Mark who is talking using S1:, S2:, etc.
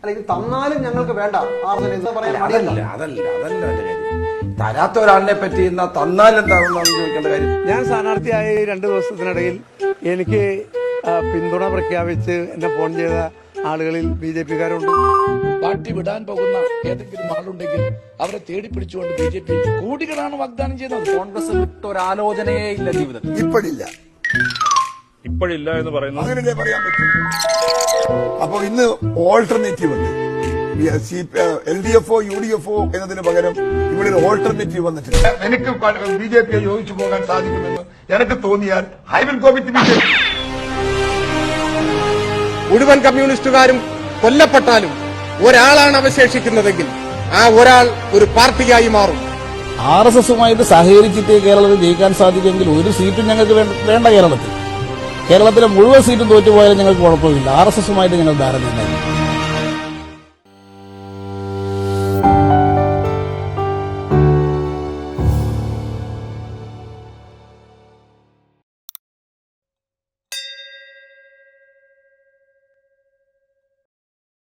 S1: അല്ലെങ്കിൽ തന്നാലും ഞങ്ങൾക്ക് വേണ്ട
S2: തരാത്ത ഒരാളിനെ പറ്റി തന്നാൽ എന്താണെന്നാണ് ചോദിക്കേണ്ട കാര്യം.
S3: ഞാൻ സ്ഥാനാർത്ഥിയായ 2 ദിവസത്തിനിടയിൽ എനിക്ക് പിന്തുണ പ്രഖ്യാപിച്ച് എന്നെ ഫോൺ ചെയ്ത ആളുകളിൽ BJP-കാരുണ്ട്.
S4: പാർട്ടി വിടാൻ പോകുന്ന ഏതെങ്കിലും ആളുണ്ടെങ്കിൽ അവരെ തേടി പിടിച്ചുകൊണ്ട് BJP കോടികളാണ് വാഗ്ദാനം ചെയ്യുന്നത്.
S5: കോൺഗ്രസ് വിട്ട ഒരാലോചനയേ ഇല്ല ജീവിതത്തിൽ.
S6: ഇപ്പോഴില്ല എന്ന് പറയുന്നു.
S7: അങ്ങനെ പറയാൻ പറ്റും. അപ്പൊ ഇന്ന് ഓൾട്ടർനേറ്റീവ് ഉണ്ട്. LDFO UDFO എന്നതിന് പകരം ഇവിടെ ഒരു ഓൾട്ടർനേറ്റീവ് വന്നിട്ടുണ്ട്. എനിക്ക് BJP യോജിച്ചു പോകാൻ സാധിക്കുമെന്ന് എനിക്ക് തോന്നിയാൽ I will go with BJP.
S8: മുഴുവൻ കമ്മ്യൂണിസ്റ്റുകാരും കൊല്ലപ്പെട്ടാലും ഒരാളാണ് അവശേഷിക്കുന്നതെങ്കിൽ ആ ഒരാൾ ഒരു പാർട്ടിയായി മാറും.
S9: RSSുമായിട്ട് സഹകരിച്ചിട്ട് കേരളത്തിൽ ജയിക്കാൻ സാധിക്കുമെങ്കിൽ ഒരു സീറ്റും ഞങ്ങൾക്ക് വേണ്ട. കേരളത്തിലെ മുഴുവൻ സീറ്റും തോറ്റുപോയാലും ഞങ്ങൾക്ക് കുഴപ്പമില്ല. RSSുമായിട്ട് ഞങ്ങൾ ധാരണയുണ്ടായി.